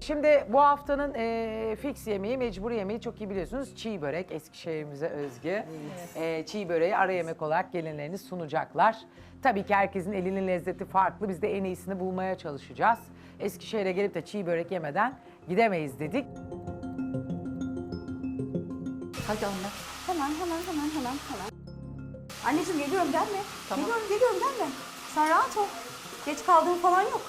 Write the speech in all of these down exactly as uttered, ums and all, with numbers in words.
şimdi bu haftanın e, fix yemeği, mecbur yemeği çok iyi biliyorsunuz. Çiğ börek, Eskişehir'imize özgü. Evet. E, çiğ böreği ara yemek olarak gelinleriniz sunacaklar. Tabii ki herkesin elinin lezzeti farklı. Biz de en iyisini bulmaya çalışacağız. Eskişehir'e gelip de çiğ börek yemeden gidemeyiz dedik. Hadi anne. Hemen hemen hemen hemen hemen. Anneciğim geliyorum gelme. Tamam. Geliyorum geliyorum gelme. Sen rahat ol. Geç kaldığın falan yok.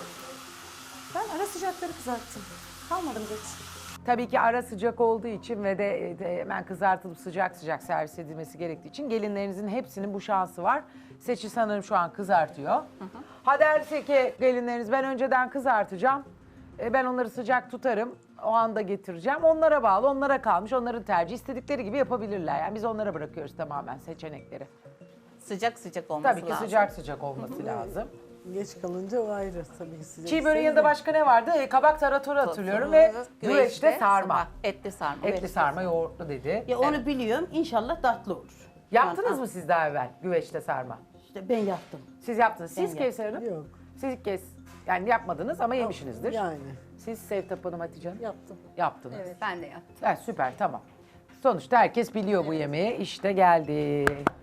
Ben ara sıcakları kızarttım. Kalmadım geç. Tabii ki ara sıcak olduğu için ve de, de hemen kızartılıp sıcak sıcak servis edilmesi gerektiği için gelinlerinizin hepsinin bu şansı var. Seçil sanırım şu an kızartıyor. Hı hı. Ha derse ki gelinleriniz ben önceden kızartacağım. E, ben onları sıcak tutarım. O anda getireceğim. Onlara bağlı, onlara kalmış. Onların tercihi istedikleri gibi yapabilirler. Yani biz onlara bırakıyoruz tamamen seçenekleri. Sıcak sıcak olması Tabii ki lazım. sıcak sıcak olması lazım. Geç kalınca o ayrı tabii ki sıcak. Çiğ böreğin yanında başka ne vardı? E, kabak taratoru hatırlıyorum ve güveçte sarma. Etli sarma. Etli sarma, yoğurtlu dedi. Ya onu Evet. biliyorum. İnşallah tatlı olur. Yaptınız Yani, mı siz daha evvel güveçte sarma? İşte ben yaptım. Siz yaptınız. Siz Ben Kevser Hanım? Yok. Siz ilk kez yani yapmadınız ama yemişsinizdir. Yani Siz Sevtap Hanım, Hatice Hanım? yaptım. Yaptınız. Evet, ben de yaptım. Ha, süper, tamam. Sonuçta herkes biliyor bu yemeği. İşte geldi.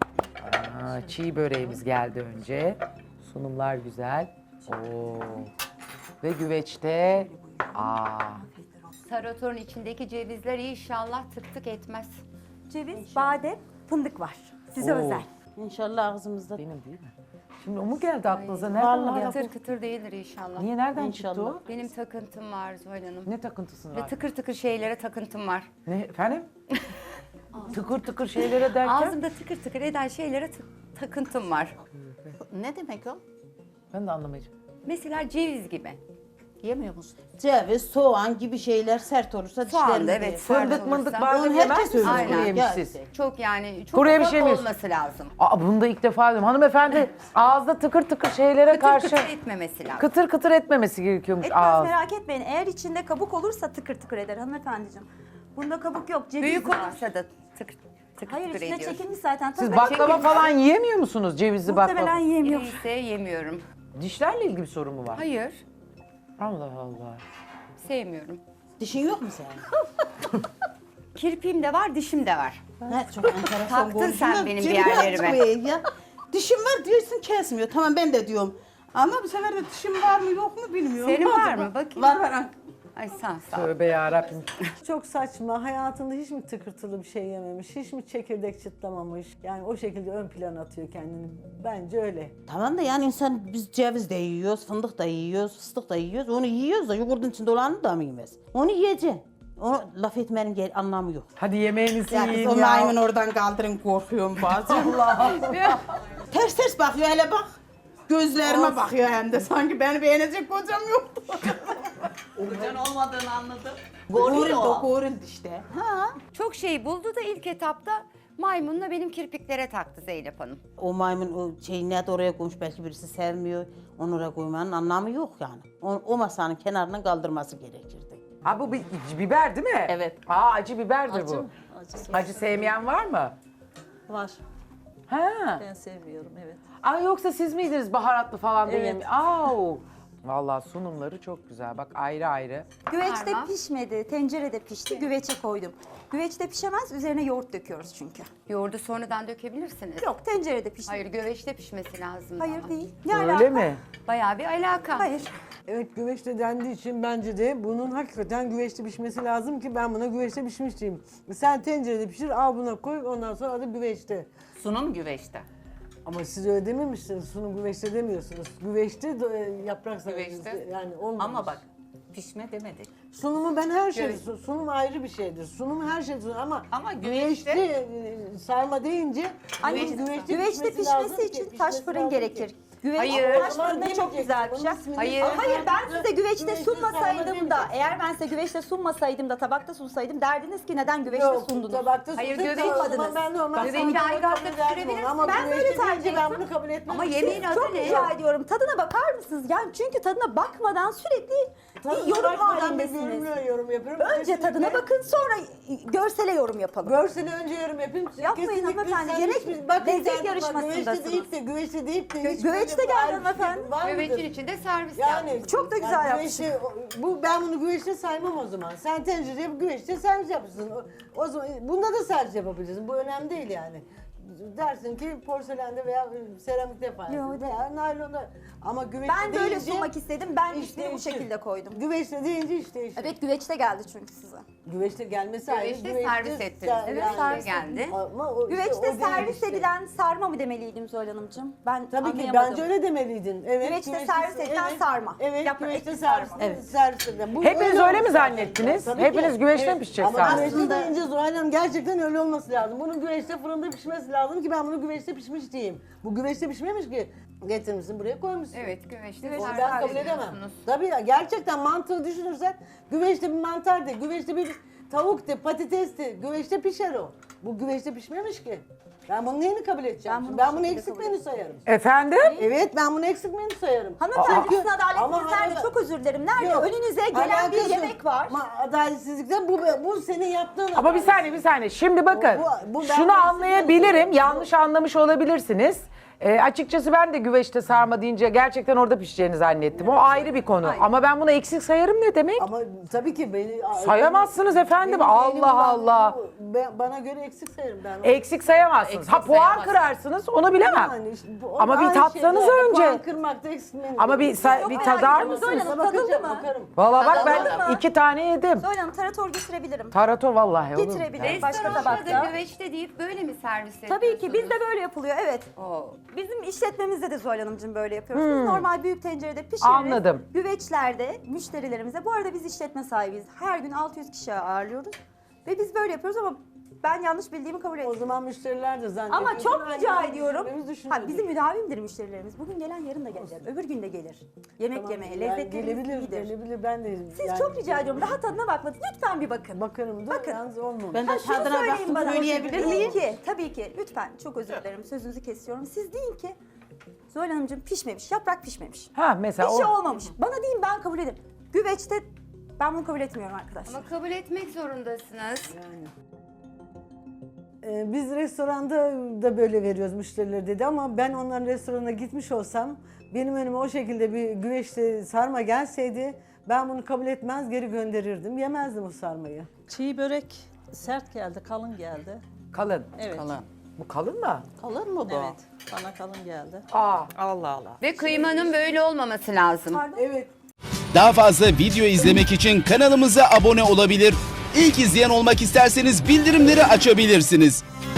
Aa, çiğ böreğimiz geldi önce. Sunumlar güzel. Oo. Ve güveçte. Aa. Taratorun içindeki cevizler inşallah tık tık etmez. Ceviz, badem, fındık var. Size Oo. özel. İnşallah ağzımızda. Benim değil mi? Şimdi o mu geldi aklınıza? Nereden Vallahi geldi? Kıtır kıtır değildir inşallah. Niye, nereden İnşallah. çıktı o? Benim takıntım var Zuhal Hanım. Ne takıntısın Ve var? tıkır tıkır şeylere takıntım var. Ne efendim? tıkır tıkır şeylere derken? Ağzımda tıkır tıkır eden şeylere tık- takıntım var. Ne demek o? Ben de anlamayacağım. Mesela ceviz gibi. Yemiyor musun? Ceviz, soğan gibi şeyler sert olursa Soğan da dişlerimize evet yer. sert Fındık mındık olursa- badem Onu yemez herkes misiniz? söylüyor. Kuru Aynen. yemişsiz. Çok yani çok Kuru yemiş ufak yemiyorsun. olması lazım. Aa, bunu da ilk defa duydum. Hanımefendi ağızda tıkır tıkır şeylere Kıtır karşı kıtır etmemesi lazım. kıtır kıtır etmemesi gerekiyormuş Etmez ağız. merak etmeyin. Eğer içinde kabuk olursa tıkır tıkır eder hanımefendiciğim. Bunda kabuk yok. Ceviz Büyük var. olursa da tıkır tıkır Hayır tıkır içine ediyor. çekilmiş zaten. Siz Tabii baklava çekilmiş. falan yiyemiyor musunuz, cevizli Muhtemelen baklava? yemiyor. Neyse yemiyorum. Dişlerle ilgili bir sorun mu var? Hayır, Allah Allah. sevmiyorum. Dişin yok mu senin? Kirpiğim de var, dişim de var. Ha, çok enteresan Taktın konuşuyor. sen benim bir Cebine yerlerime. atıyor Ya. Dişim var diyorsun kesmiyor. Tamam ben de diyorum. Ama bu sefer de dişim var mı yok mu bilmiyorum. Senin var Acaba? mı? Bakayım. Var var. Ay sağ sağ ol. Tövbe yarabbim. Çok saçma. Hayatında hiç mi tıkırtılı bir şey yememiş? Hiç mi çekirdek çıtlamamış? Yani o şekilde ön plan atıyor kendini. Bence öyle. Tamam da yani insan biz ceviz de yiyoruz, fındık da yiyoruz, fıstık da yiyoruz. Onu yiyoruz da yoğurdun içinde olanı da mı yemez? Onu yiyeceksin. Onu laf etmenin gel- anlamı yok. Hadi yemeğinizi Yani yiyin o ya. maymun oradan kaldırın korkuyorum bazen. Allah Ters ters bakıyor hele bak. Gözlerime bakıyor hem de sanki beni beğenecek kocam yoktu. Kocan olmadığını anladım. Goril o. Goril işte. Ha. Çok şey buldu da ilk etapta maymunla benim kirpiklere taktı Zeynep Hanım. O maymun o şey ne de oraya koymuş belki birisi sevmiyor. Onu oraya koymanın anlamı yok yani. O, o masanın kenarından kaldırması gerekirdi. Ha bu bi- biber değil mi? Evet. Aa acı biberdir Acı bu. mı? Acı. Acı sevmeyen var mı? Var. Ha. Ben sevmiyorum evet. Aa yoksa siz miydiniz baharatlı falan da Evet. yemi? Aa. Vallahi sunumları çok güzel. Bak ayrı ayrı. Güveçte Parmak. pişmedi, tencerede pişti, güveçe koydum. Güveçte pişemez, üzerine yoğurt döküyoruz çünkü. Yoğurdu sonradan dökebilirsiniz. Yok, tencerede pişti. Hayır güveçte pişmesi lazım. Hayır ama. değil. Ne Öyle alaka? mi? Bayağı bir alaka. Hayır. Evet güveçte dendiği için bence de bunun hakikaten güveçte pişmesi lazım ki ben buna güveçte pişmiş diyeyim. Sen tencerede pişir, al buna koy, ondan sonra adı güveçte. Sunum güveçte. Ama siz öyle dememişsiniz, sunum güveçte demiyorsunuz. Güveçte de, e, yaprak sarması Güveçte. yani olmamış. Ama bak pişme demedik. Sunumu ben her şey, Güveç. sunum ayrı bir şeydir. Sunum her şey sunum ama, Ama güveçte, güveçte- e, sarma deyince Anneciğim, güveçte, güveçte pişmesi lazım pişmesi ki, için pişmesi taş fırın lazım gerekir. ki. Güveç Hayır. taş fırında çok güzel pişer. Hayır. Hayır ben size güveçte Güveçte sunmasaydım sarma da, demeyeceksin. eğer ben size güveçte sunmasaydım da tabakta sunsaydım derdiniz ki neden güveçte Yok, sundunuz? tabakta Hayır, sunsak göbek da o yapmadınız. zaman ben normal Göbeği sunumda ayrı kabul hatta ederdim pişirebilirsin. Ama Ben güveçte böyle deyince tercih ben ettim. bunu kabul etmem. Ama yemeğin adı Çok ne? rica ediyorum. Tadına bakar mısınız? Yani çünkü tadına bakmadan sürekli bir yorum halindesiniz. Bölümle yorum yapıyorum. Önce Kesinlikle tadına bakın, sonra görsele yorum yapalım. Görseli önce yorum yapayım. Yapmayın Kesinlikle hanımefendi, sen gerek hiçbir- bakın lezzet sen bak, yarışmasındasınız. Güveçte deyip de güveçte deyip de hiç Güveçte güveçte bu geldi ayrı bir hanımefendi. şey var mıdır? Güvecin içinde servis Yani yapmış. Çok da güzel güveçte- bu ben bunu güveçte saymam o zaman. Sen tencereye güveçte servis yapmışsın. O, o zaman bunda da servis yapabilirsin. Bu önemli değil yani. Dersin ki porselende veya seramikte yaparsın. Yok, Veya naylonda. Ama güveçte Ben böyle deyince sunmak istedim. Ben iş üstüne bu değişir. şekilde koydum. Güveçte deyince iş değişir. Evet güveçte geldi çünkü size. Güveçte gelmesi ayrı. Güveçte servis ettiniz. ser- Evet, yani- servis geldi. Ama o- işte Güveçte o değil servis işte. edilen sarma mı demeliydim Zuhal Hanımcığım? Ben Tabii ki anlayamadım. bence öyle demeliydin. Evet. Güveçte servis edilen sarma. Evet, Yaprak güveçte etli servis, sarma. evet. servis edilen. Bu Hepiniz öyle mi olması zannettiniz? lazım. Hepiniz ki. güveçte mi pişecek Ama sarma? güveçte deyince Zuhal Hanım gerçekten öyle olması lazım. Bunun güveçte fırında pişmesi lazım ki ben bunu güveçte pişmiş diyeyim. Bu güveçte pişmemiş ki. Getirmişsin buraya koymuşsun. Evet güveçte Onu servis ben kabul edemem. ediyorsunuz. Tabii ya gerçekten mantığı düşünürsen güveçte bir mantar de, güveçte bir tavuk de, patates de, güveçte pişer o. Bu güveçte pişmemiş ki. Ben bunun neyini kabul edeceğim? Ben Ben bunu bunu, bu şekilde eksik kabul menü sayarım. Efendim? Evet ben bunu eksik menü sayarım. Hanımefendi Çünkü- sizin adaletiniz ama nerede? hanım- Çok özür dilerim. Nerede? Yok, Önünüze gelen alakası bir yok. yemek var. Ama adaletsizlikten bu, bu senin yaptığın Ama bir saniye bir saniye. Şimdi bakın Bu- bu ben şunu ben anlayabilirim. size- Yanlış anlamış olabilirsiniz. Ee, açıkçası ben de güveçte sarma deyince gerçekten orada pişeceğini zannettim. O ayrı bir konu. Ama ben bunu eksik sayarım ne demek? Ama tabii ki beni... Sayamazsınız efendim. Benim Allah beynim bulandı. Allah. Bu- ben- Bana göre eksik sayarım ben. onu. Eksik sayamazsınız. Eksik ha puan sayamazsın. kırarsınız onu bilemem. Yani işte bu- Ama bir aynı tatsanız şey yani. önce. Puan kırmakta eksik menü. Ama bir say- Çok bir merak tadar ediyorum. mısınız? Zuhal Hanım, Bakacağım, tadıldı mı? bakarım. Valla bak ben Tadıldı mı? iki tane yedim. Zuhal Hanım tarator getirebilirim. Tarator vallahi olur. Getirebilirim. Başka Restoranda da tabakta. güveçte deyip böyle mi servis ediyorsunuz? Tabii ki bizde böyle yapılıyor evet. Oo. Bizim işletmemizde de Zuhal Hanımcığım böyle yapıyoruz. Biz normal büyük tencerede pişiririz. Hmm. Anladım. Güveçlerde müşterilerimize, bu arada biz işletme sahibiyiz. Her gün altı yüz kişi ağırlıyoruz. Ve biz böyle yapıyoruz ama ben yanlış bildiğimi kabul O ediyorum. zaman müşteriler de zannediyor. Ama çok Aynı rica anda ediyorum. düşünmemiz Ha, düşünüldü. bizim müdavimdir müşterilerimiz. Bugün gelen yarın da gelecek. Öbür gün de gelir. Yemek Tamam, yemeye, yani lezzetlerimiz gelebilir, iyidir. gelebilir ben de. Siz yani- çok rica ediyorum. Daha tadına bakmadınız. Lütfen bir bakın. Bakarım dur Bakın. yalnız olmamış. Ben de Ha, şunu tadına söyleyin baktım bana. söyleyebilir Deyin miyim? ki, tabii ki. Lütfen çok özür dilerim. Sözünüzü kesiyorum. Siz deyin ki Zuhal Hanımcığım pişmemiş, yaprak pişmemiş. Ha mesela Bir şey o. olmamış. Bana deyin ben kabul ederim. Güveçte ben bunu kabul etmiyorum arkadaşlar. Ama kabul etmek zorundasınız. Yani. Ee, biz restoranda da böyle veriyoruz müşterileri dedi ama ben onların restoranına gitmiş olsam benim önüme o şekilde bir güveçte sarma gelseydi ben bunu kabul etmez geri gönderirdim. Yemezdim o sarmayı. Çiğ börek sert geldi, kalın geldi. Kalın. Evet. Bu kalın mı? Kalır mı bu? Evet, bana kalın geldi. Aa. Allah Allah. Ve kıymanın böyle olmaması lazım. Pardon. Evet. Daha fazla video izlemek için kanalımıza abone olabilir. İlk izleyen olmak isterseniz bildirimleri açabilirsiniz.